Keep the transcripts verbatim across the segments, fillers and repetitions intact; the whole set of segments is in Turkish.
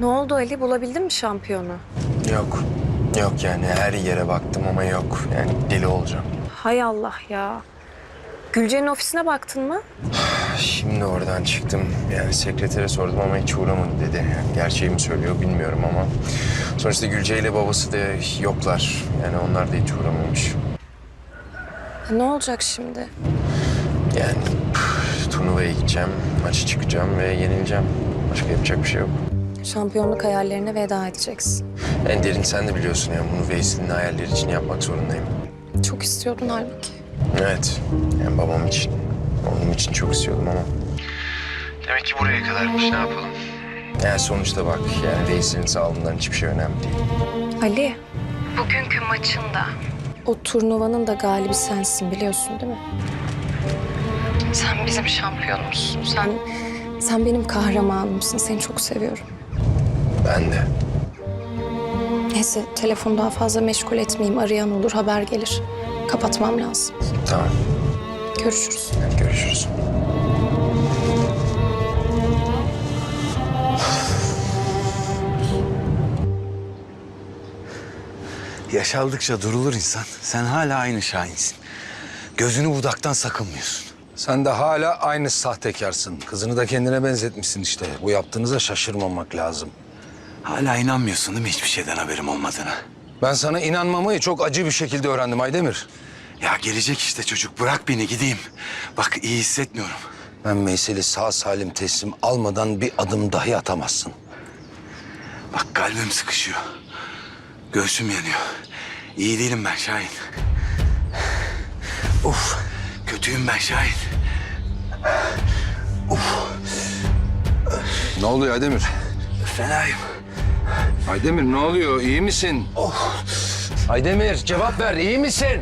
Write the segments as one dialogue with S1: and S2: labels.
S1: Ne oldu Ali? Bulabildin mi şampiyonu?
S2: Yok. Yok yani her yere baktım ama yok. Yani deli olacağım.
S1: Hay Allah ya. Gülce'nin ofisine baktın mı?
S2: Şimdi oradan çıktım. Yani sekretere sordum ama hiç uğramadı dedi. Yani gerçeği mi söylüyor bilmiyorum ama. Sonuçta Gülce ile babası da yoklar. Yani onlar da hiç uğramamış.
S1: Ne olacak şimdi?
S2: Yani üf, turnuvaya gideceğim, maça çıkacağım ve yenileceğim. Başka yapacak bir şey yok.
S1: Şampiyonluk hayallerine veda edeceksin.
S2: En derin sen de biliyorsun ya. Bunu Veysel'in hayalleri için yapmak zorundayım.
S1: Çok istiyordun halbuki.
S2: Evet. Yani babam için, oğlum için çok istiyordum ama. Demek ki buraya kadarmış. Ne yapalım? Yani sonuçta bak yani Veysel'in sağlığından hiçbir şey önemli değil.
S1: Ali. Bugünkü maçında. O turnuvanın da galibi sensin biliyorsun değil mi? Sen bizim şampiyonumuzsun. Sen, sen benim kahramanımsın. Seni çok seviyorum.
S2: Ben de.
S1: Neyse telefonu daha fazla meşgul etmeyeyim. Arayan olur, haber gelir. Kapatmam lazım.
S2: Tamam.
S1: Görüşürüz.
S2: Hadi görüşürüz.
S3: Yaş aldıkça durulur insan. Sen hala aynı Şahin'sin. Gözünü budaktan sakınmıyorsun.
S4: Sen de hala aynı sahtekarsın. Kızını da kendine benzetmişsin işte. Bu yaptığınıza şaşırmamak lazım.
S3: Hala inanmıyorsun değil mi hiçbir şeyden haberim olmadığına?
S4: Ben sana inanmamayı çok acı bir şekilde öğrendim Aydemir.
S3: Ya gelecek işte çocuk. Bırak beni gideyim. Bak iyi hissetmiyorum.
S4: Ben Veysel'i sağ salim teslim almadan bir adım dahi atamazsın.
S3: Bak kalbim sıkışıyor. Göğsüm yanıyor. İyi değilim ben Şahin. Of. Kötüyüm ben Şahin.
S4: Ne oluyor Aydemir?
S3: Fenayım.
S4: Aydemir ne oluyor? İyi misin?
S3: Oh.
S4: Aydemir cevap ver. İyi misin?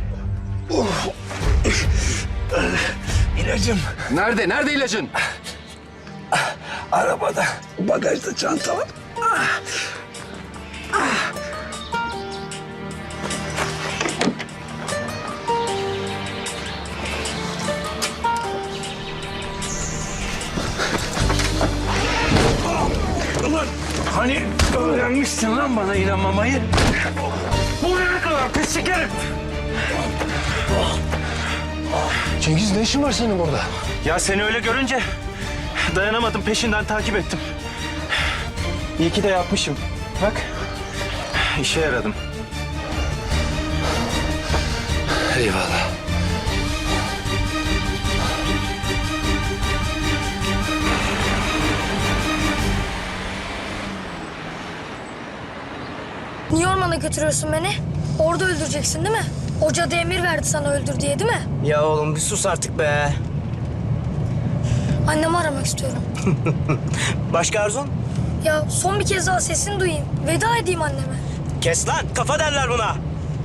S3: İlacım
S4: Nerede? Nerede ilacın?
S3: arabada. Bagajda çanta var. Ulan hani öğrenmişsin lan bana inanmamayı? Buraya kadar pislik herif.
S4: Cengiz ne işin var senin burada?
S5: Ya seni öyle görünce dayanamadım, peşinden takip ettim. İyi ki de yapmışım. Bak, işe yaradım.
S4: Eyvallah.
S6: Niye ormana götürüyorsun beni? Orada öldüreceksin değil mi? Hoca da emir verdi sana öldür diye değil mi?
S5: Ya oğlum bir sus artık be.
S6: Annemi aramak istiyorum.
S5: Başka arzun?
S6: Ya son bir kez daha sesini duyayım. Veda edeyim anneme.
S5: Kes lan, kafa derler buna.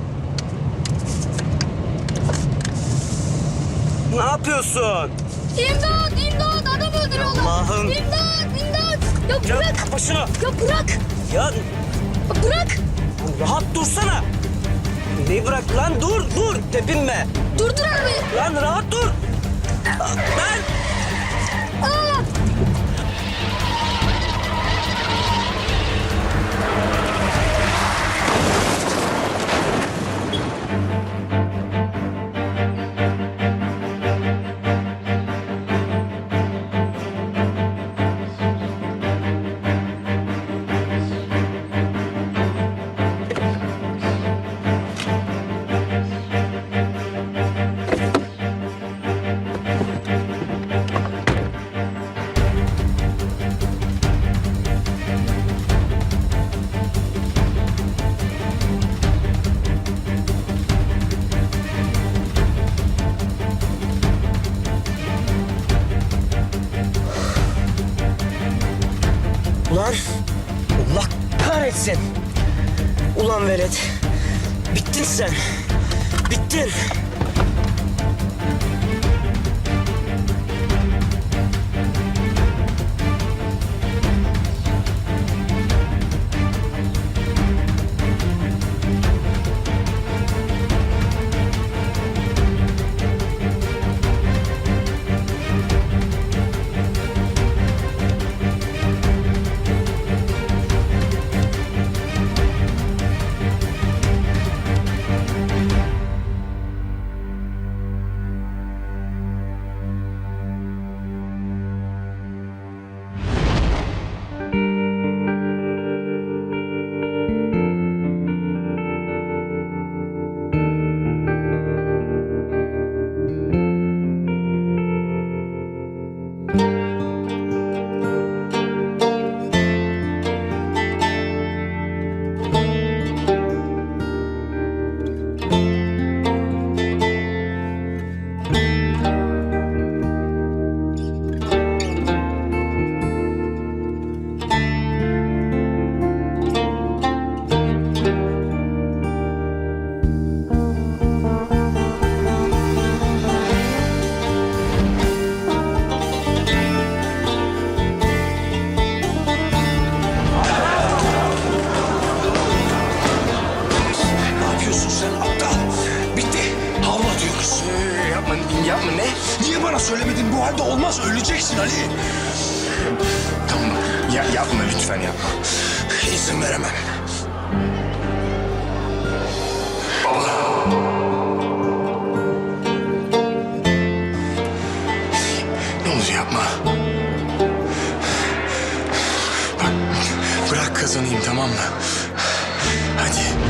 S5: Ne yapıyorsun?
S6: İmdat! İmdat! Adam öldürüyorlar!
S5: Allah'ım.
S6: İmdat! İmdat! Ya
S5: Ya
S6: bırak!
S5: kapa şunu.
S6: Ya bırak!
S5: Ya
S6: Ya bırak!
S5: rahat dursana. Neyi bırak lan? Dur, dur. Tepinme.
S6: Durdur arabayı!
S5: Lan rahat dur. Ben...
S6: Aa!
S5: Ulan Allah kahretsin. Ulan velet. Bittin sen. Bittin.
S2: yapma, yapma ne?
S4: Niye bana söylemedin? Bu halde olmaz. Öleceksin Ali.
S2: Tamam, ya, yapma lütfen yapma.
S4: İzin veremem.
S2: Ne olur yapma. Bak, bırak kazanayım tamam mı? Hadi.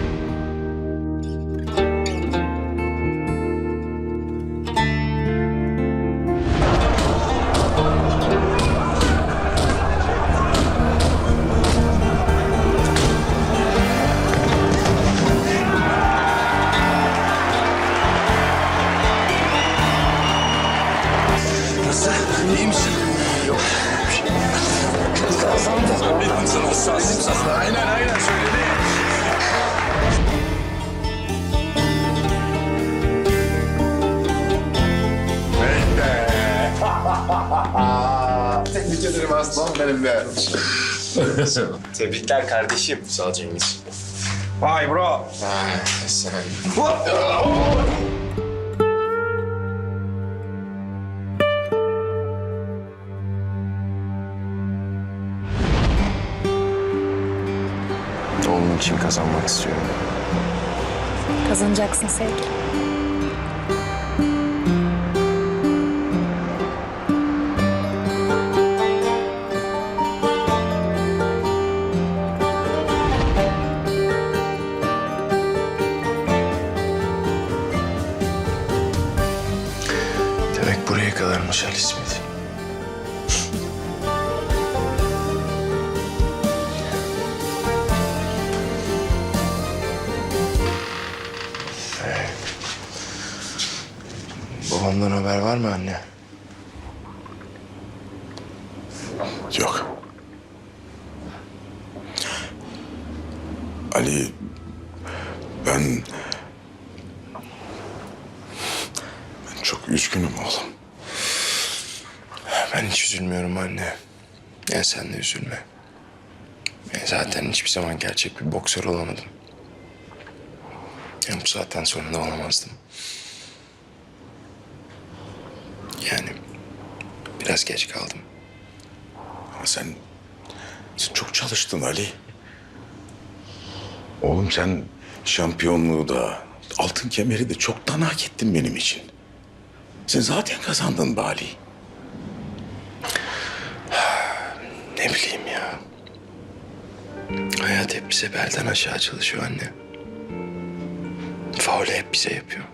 S4: Nasıl? İyi misin?
S2: Yok.
S4: Kazandın. Ben sana sazım sazım. Aynen aynen söyledi.
S2: Tebrik ederim aslan benim be. Tebrikler kardeşim. Sağ ol Cengiz.
S4: Vay bro.
S2: Ah, sen. Oğlum için kazanmak istiyorum.
S1: Kazanacaksın sevgilim.
S2: Demek buraya kadarmış Ali İsmet. Ee, Babamdan haber var mı anne?
S7: Yok. Ali, ben... Ben çok üzgünüm oğlum.
S2: Ben hiç üzülmüyorum anne. Ya sen de üzülme. Ya zaten hiçbir zaman gerçek bir boksör olamadım. Ya bu saatten sonra da olamazdım. Yani biraz geç kaldım.
S7: Ama sen, sen çok çalıştın Ali. Oğlum sen şampiyonluğu da, altın kemeri de çoktan hak ettin benim için. Sen zaten kazandın be Ali.
S2: Ne bileyim ya. Hayat hep bize belden aşağı çalışıyor anne. Faulü hep bize yapıyor.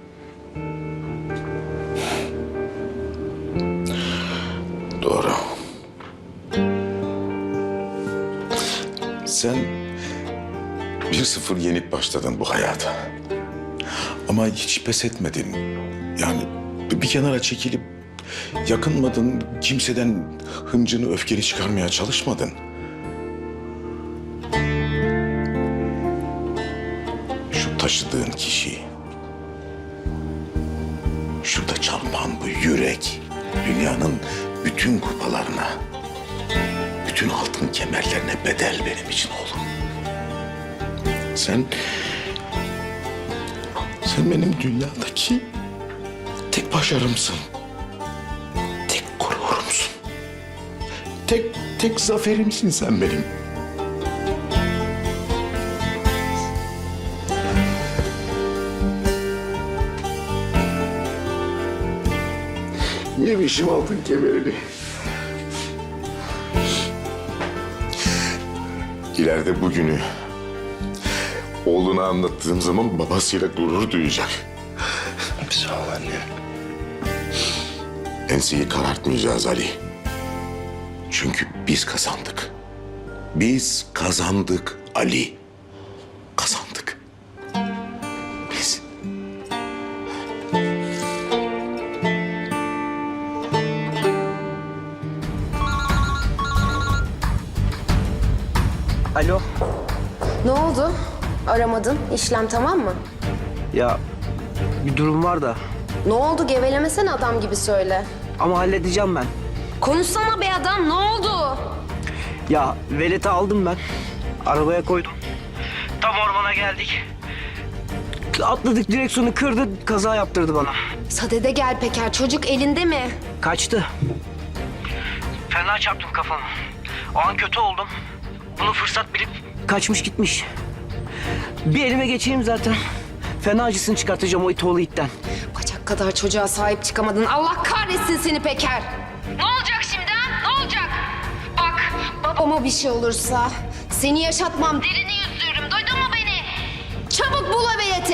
S7: Doğru. Sen bir sıfır yenip başladın bu hayata. Ama hiç pes etmedin. Yani bir kenara çekilip yakınmadın, kimseden hıncını, öfkeni çıkarmaya çalışmadın. Şu taşıdığın kişi, şurada çarpan bu yürek, dünyanın bütün kupalarına, bütün altın kemerlerine bedel benim için oğlum. Sen, sen benim dünyadaki tek başarımsın. Tek gururumsun. Tek, tek zaferimsin sen benim. Yemişim altın kemerini. İleride bugünü oğluna anlattığım zaman babasıyla gurur duyacak.
S2: Sağ ol anne.
S7: Enseyi karartmayacağız Ali. Çünkü biz kazandık. Biz kazandık Ali. Kazandık. Biz.
S5: Alo.
S8: Ne oldu? Aramadın. İşlem tamam mı?
S5: Ya bir durum var da
S8: Ne oldu? Gevelemesene adam gibi söyle.
S5: ama halledeceğim ben.
S8: Konuşsana be adam. Ne oldu?
S5: Ya veleti aldım ben. Arabaya koydum. Tam ormana geldik.
S9: Atladık, direksiyonu kırdı, kaza yaptırdı bana.
S8: Sadede gel Peker. Çocuk elinde mi?
S9: Kaçtı. Fena çarptım kafamı. O an kötü oldum. Bunu fırsat bilip kaçmış gitmiş. Bir elime geçeyim zaten. Fena acısını çıkartacağım o it oğlu itten.
S8: Bacak kadar çocuğa sahip çıkamadın. Allah kahretsin seni Peker. Ne olacak şimdi ha? Ne olacak? Bak babama bir şey olursa seni yaşatmam. Derini yüzdürürüm. Duydun mu beni? Çabuk bul o bileti.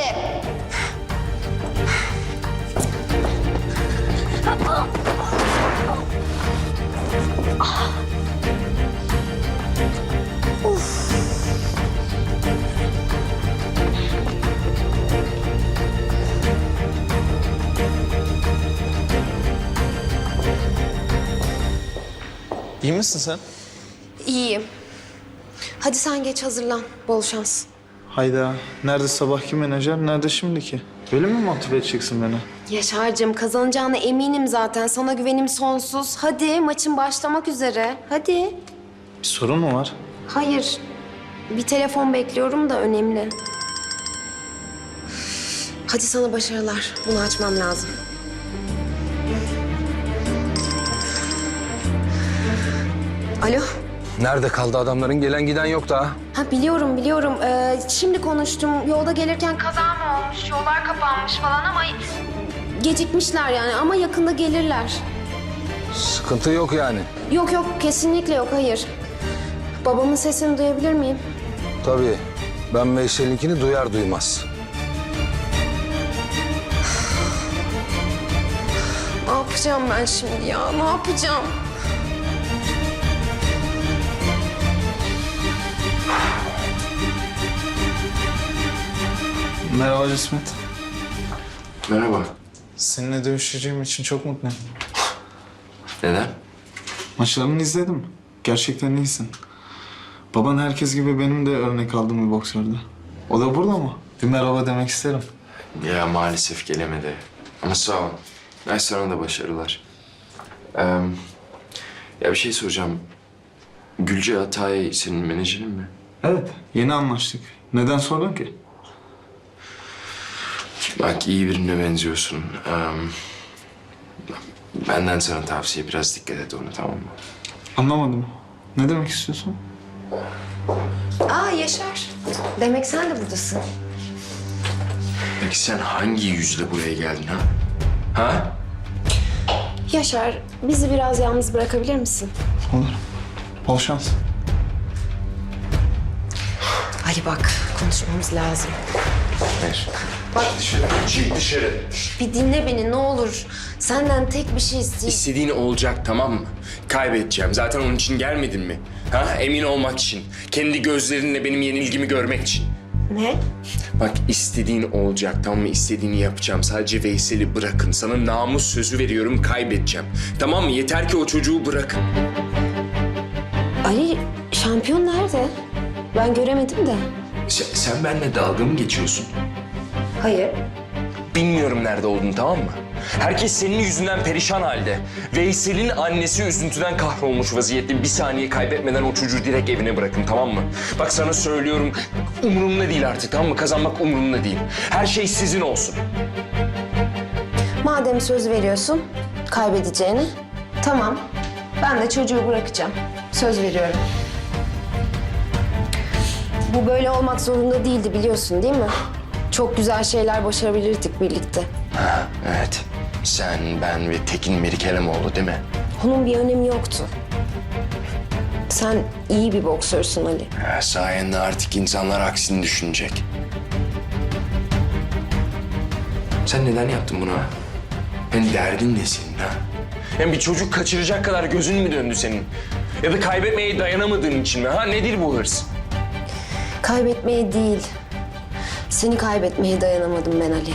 S2: İyi misin sen?
S8: İyiyim. Hadi sen geç hazırlan. Bol şans.
S10: Hayda. Nerede sabahki menajer, nerede şimdiki? Böyle mi motive edeceksin beni?
S8: Yaşar'cığım kazanacağına eminim zaten. Sana güvenim sonsuz. Hadi maçın başlamak üzere. Hadi.
S10: Bir sorun mu var?
S8: Hayır. Bir telefon bekliyorum da önemli. Hadi sana başarılar. Bunu açmam lazım. Alo.
S4: Nerede kaldı adamların? Gelen giden yok daha.
S8: Ha biliyorum biliyorum. Ee, şimdi konuştum. Yolda gelirken kaza mı olmuş? Yollar kapanmış falan ama gecikmişler yani ama yakında gelirler.
S4: Sıkıntı yok yani.
S8: Yok yok kesinlikle yok hayır. Babamın sesini duyabilir miyim?
S4: Tabii. Ben Veysel'inkini duyar duymaz.
S8: Ne yapacağım ben şimdi ya? Ne yapacağım?
S10: Merhaba Cismet.
S2: Merhaba.
S10: Seninle dövüşeceğim için çok mutluyum.
S2: Neden?
S10: Maçlarını izledim. Gerçekten iyisin. Baban herkes gibi benim de örnek aldığım bir boksördü. O da burada mı? Bir merhaba demek isterim.
S2: Ya maalesef gelemedi. Ama sağ ol. Ay sana da başarılar. Ee, ya bir şey soracağım. Gülce Atay senin menajerin mi?
S10: Evet, yeni anlaştık. Neden sordun ki?
S2: Bak iyi birine benziyorsun. Ee, benden sana tavsiye biraz dikkat et ona tamam mı?
S10: Anlamadım. Ne demek istiyorsun?
S8: Aa Yaşar. Demek sen de buradasın.
S2: Peki sen hangi yüzle buraya geldin ha? Ha?
S8: Yaşar, bizi biraz yalnız bırakabilir misin?
S10: Olur. Bol şans.
S8: Ali bak, konuşmamız lazım.
S2: Hayır. Bak dışarı. Çık dışarı.
S8: Bir dinle beni ne olur. Senden tek bir şey isteyeyim.
S2: İstediğin olacak tamam mı? Kaybedeceğim. Zaten onun için gelmedin mi? Ha? Emin olmak için. Kendi gözlerinle benim yenilgimi görmek için.
S8: Ne?
S2: Bak istediğin olacak tamam mı? İstediğini yapacağım. Sadece Veysel'i bırakın. Sana namus sözü veriyorum kaybedeceğim. Tamam mı? Yeter ki o çocuğu bırakın.
S8: Ali, şampiyon nerede? Ben göremedim de.
S2: Sen, sen benimle dalga mı geçiyorsun?
S8: Hayır.
S2: Bilmiyorum nerede olduğunu tamam mı? Herkes senin yüzünden perişan halde. Veysel'in annesi üzüntüden kahrolmuş vaziyette. Bir saniye kaybetmeden o çocuğu direkt evine bırakın tamam mı? Bak sana söylüyorum umurumda değil artık tamam mı? Kazanmak umurumda değil. Her şey sizin olsun.
S8: Madem söz veriyorsun kaybedeceğini, tamam. Ben de çocuğu bırakacağım. Söz veriyorum. Bu böyle olmak zorunda değildi biliyorsun değil mi? Çok güzel şeyler başarabilirdik birlikte.
S2: Ha, evet. Sen, ben ve Tekin Merikemoğlu değil mi?
S8: Onun bir önemi yoktu. Sen iyi bir boksörsün Ali.
S2: Ha, sayende artık insanlar aksini düşünecek. Sen neden yaptın bunu ha? Hem derdin ne senin ha? Hem bir çocuk kaçıracak kadar gözün mü döndü senin? Ya da kaybetmeye dayanamadığın için mi ha? Nedir bu hırs?
S8: Kaybetmeye değil, seni kaybetmeye dayanamadım ben Ali.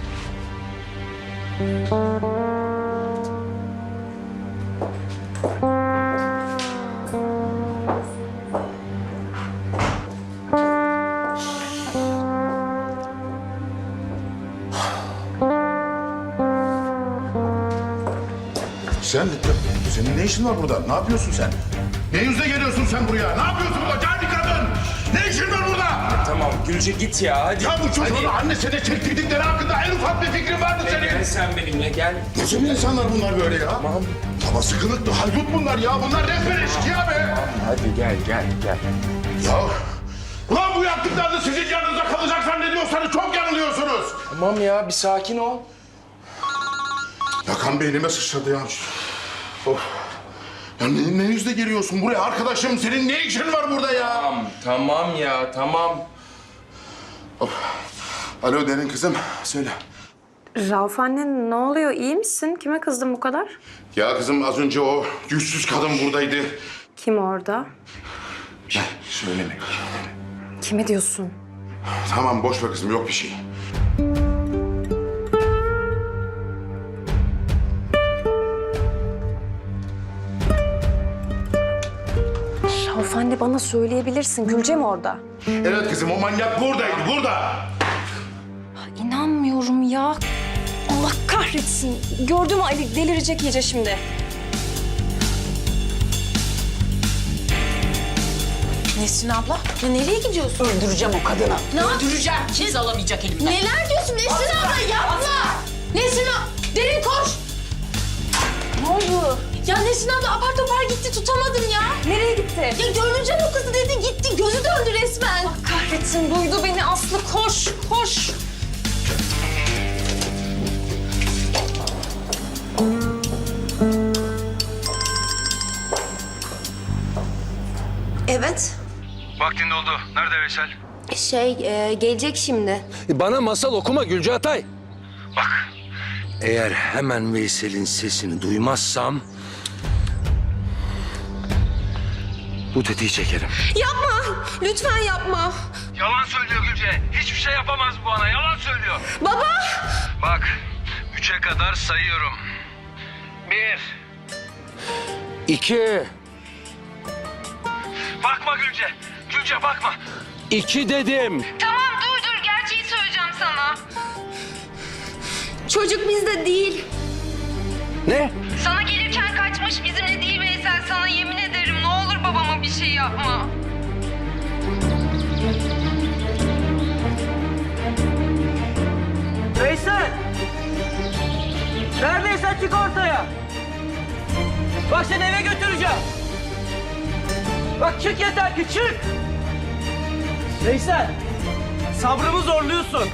S7: Sen, senin ne işin var burada? Ne yapıyorsun sen? Ne yüzle geliyorsun sen buraya? Ne yapıyorsun burada? Cani kadın! Ne işin var burada?
S2: Tamam Tamam Gülce git ya hadi.
S7: Ya bu çocuğun annesine çektirdikleri hakkında en ufak bir fikrin vardı senin.
S2: Gel sen benimle gel.
S7: Nasıl bir insanlar bunlar böyle ya? Tamam. Babası kılıklı haydut bunlar ya. Bunlar resmen eşkıya be.
S2: Hadi gel gel gel.
S7: Ya ulan bu yaptıklarınız sizin yanınıza kalacak zannediyorsanız çok yanılıyorsunuz.
S2: Tamam ya bir sakin ol.
S7: Yakan beynime sıçradı ya. Of. Ya ne, ne yüzle geliyorsun buraya arkadaşım? Senin ne işin var burada ya?
S2: Tamam tamam ya tamam.
S7: Of. Alo Derin kızım söyle.
S1: Rauf anne ne oluyor? İyi misin? Kime kızdın bu kadar?
S7: Ya kızım az önce o yüzsüz kadın buradaydı.
S1: Kim orada?
S7: Ne? Söyleme.
S1: Kime diyorsun?
S7: Tamam boş ver kızım yok bir şey.
S1: Rauf anne bana söyleyebilirsin. Gülce mi orada?
S7: Evet kızım o manyak buradaydı burada.
S1: İnanmıyorum ya. Allah kahretsin. Gördün mü Ali delirecek iyice şimdi.
S11: Nesrin abla, ya nereye gidiyorsun? Öldüreceğim o kadını. Ne Öldüreceğim. Kimse alamayacak elimden.
S8: Neler diyorsun Nesrin abla yapma. Nesrin abla Derin koş.
S11: Ne oldu? Ya Nesrin abla apar topar gitti tutamadım ya.
S1: Nereye gitti?
S11: Ya görmeyeceğim o kızı dedi gitti gözü döndü resmen.
S1: Allah kahretsin duydu beni Aslı. Koş, koş.
S11: Evet.
S4: Vaktin doldu. Nerede Veysel?
S8: Şey e, gelecek şimdi.
S4: Bana masal okuma Gülce Atay. Bak, eğer hemen Veysel'in sesini duymazsam... bu tetiği çekerim.
S1: Yapma. Lütfen yapma.
S4: Yalan söylüyor Gülce. Hiçbir şey yapamaz bu bana. Yalan söylüyor.
S1: Baba.
S4: Bak, üçe kadar sayıyorum. Bir. İki. Bakma Gülce. Gülce bakma. İki dedim.
S8: Tamam dur dur gerçeği söyleyeceğim sana. Çocuk bizde değil.
S4: Ne?
S8: Sana gelirken kaçmış bizimle değil Veysel. Sana yemin ederim ne olur babama bir şey yapma.
S9: Veysel! Neredeysen çık ortaya. Bak seni eve götüreceğim. Bak çık yeter ki çık. Veysel, sabrımı zorluyorsun.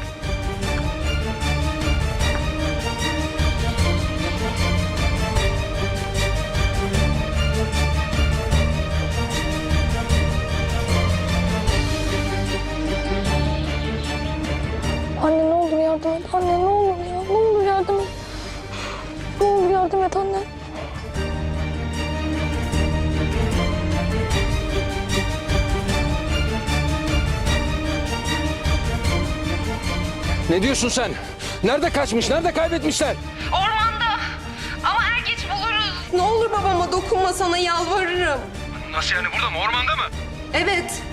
S1: Anne ne olur yardım et. Anne ne olur ya. Ne olur yardım et. Ne olur yardım et anne.
S4: Ne diyorsun sen? Nerede kaçmış? Nerede kaybetmişler?
S8: Ormanda. Ama er geç buluruz.
S1: Ne olur babama dokunma sana yalvarırım.
S4: Nasıl yani burada mı? Ormanda mı?
S1: Evet.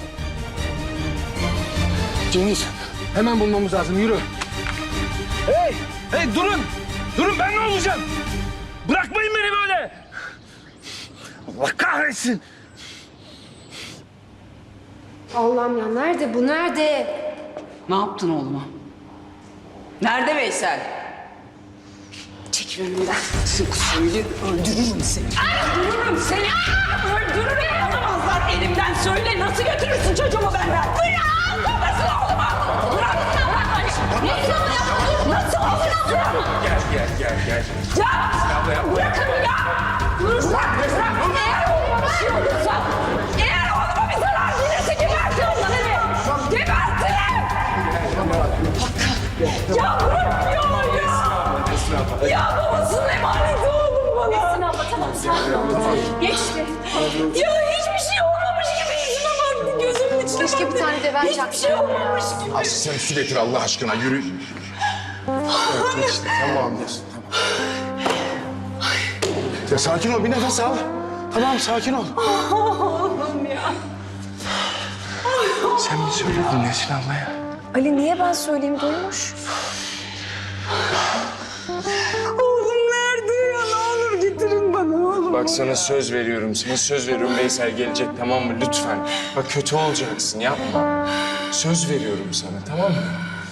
S4: Cengiz, hemen bulmamız lazım. Yürü. Hey! Hey durun! Durun ben ne olacağım? Bırakmayın beni böyle! Allah kahretsin!
S8: Allah'ım ya nerede bu nerede?
S11: Ne yaptın oğluma? Nerede Veysel? Çekil önümden. Söyle öldürürüm seni. Öldürürüm seni. Öldürürüm. Alamazlar elimden. Söyle nasıl götürürsün çocuğumu benden? Bırak! Babasını oğluma! Bırak! Bırak! Ne yapıyorsun? Nasıl olur?
S2: Gel gel gel gel.
S11: Ya! Bırakın ya! Bırak! Bırak! Eğer oğluma bir şey olursa, eğer oğluma bir zarar gelirse gebertin onları! Gebertin! Ya bırakmıyorlar ya! Ya babasının emaneti oğlum bana! Nesin abla tamam sakin ol. Geçti. Ya hiçbir şey olmamış gibi yüzüme baktı gözümün içine
S8: Keşke
S11: baktı.
S8: bir tane de ben
S11: Hiçbir
S8: çaksam
S11: şey
S8: ya.
S11: olmamış gibi.
S7: Aslı sen su getir Allah aşkına yürü. Evet işte tamam diyorsun tamam. Ya sakin ol bir nefes al. Tamam sakin ol.
S11: Oğlum ya.
S3: Sen mi söyledin Nesrin ablaya?
S1: Ali niye ben söyleyeyim duymuş?
S11: Oğlum nerede ya? Ne olur getirin bana oğlum.
S2: Bak sana söz veriyorum. Sana söz veriyorum Veysel gelecek tamam mı? Lütfen. Bak kötü olacaksın yapma. Söz veriyorum sana, tamam mı?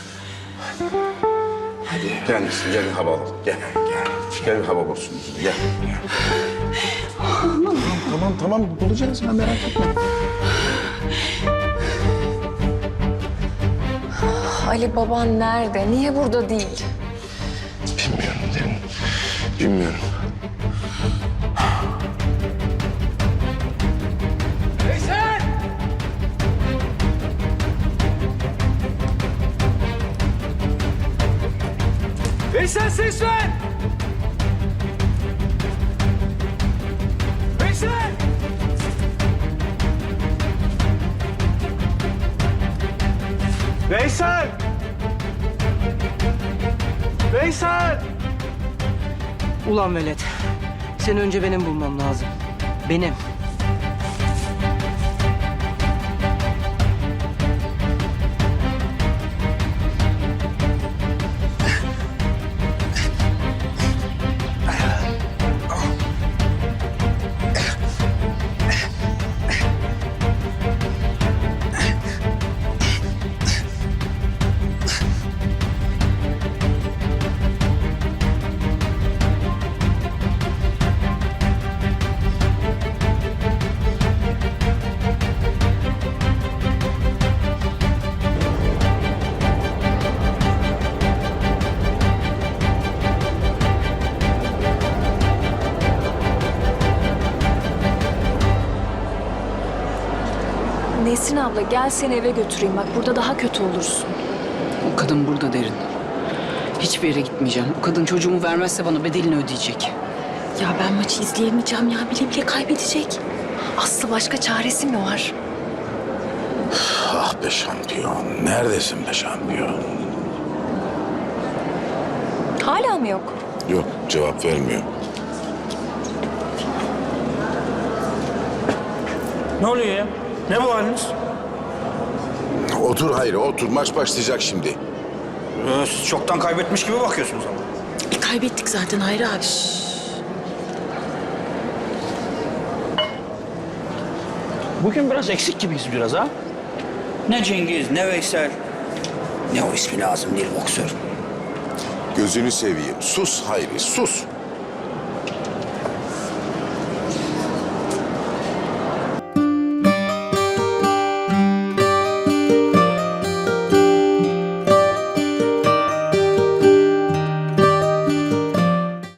S7: Gel misin? Gel bir hava alalım. Gel. Gel. Gel bir hava olsun. Gel. Gel. tamam, tamam, tamam. Bulacağız ya, merak etme.
S1: Ali baban nerede? Niye burada değil?
S2: Bilmiyorum Derin. Bilmiyorum.
S4: Veysel! Veysel ses ver! Veysel!
S5: Veysel! Veysel!
S9: Ulan velet. Seni önce benim bulmam lazım. Benim.
S1: Nesrin abla gel seni eve götüreyim. Bak burada daha kötü olursun.
S11: O kadın burada Derin. Hiçbir yere gitmeyeceğim. O kadın çocuğumu vermezse bana bedelini ödeyecek.
S1: Ya ben maçı izleyemeyeceğim ya. Bile bile kaybedecek. Aslı başka çaresi mi var?
S7: Ah be şampiyon. Neredesin be şampiyon?
S1: Hala mı yok?
S7: Yok, cevap vermiyor.
S5: Ne oluyor ya? Ne bu haliniz?
S7: Otur Hayri, otur. Maç başlayacak şimdi.
S5: Ee, siz çoktan kaybetmiş gibi bakıyorsunuz ama.
S11: E, kaybettik zaten Hayri abi.
S5: Bugün biraz eksik gibiyiz biraz ha.
S9: Ne Cengiz, ne Veysel. Ne o ismi lazım değil boksör.
S7: Gözünü seveyim. Sus Hayri, sus.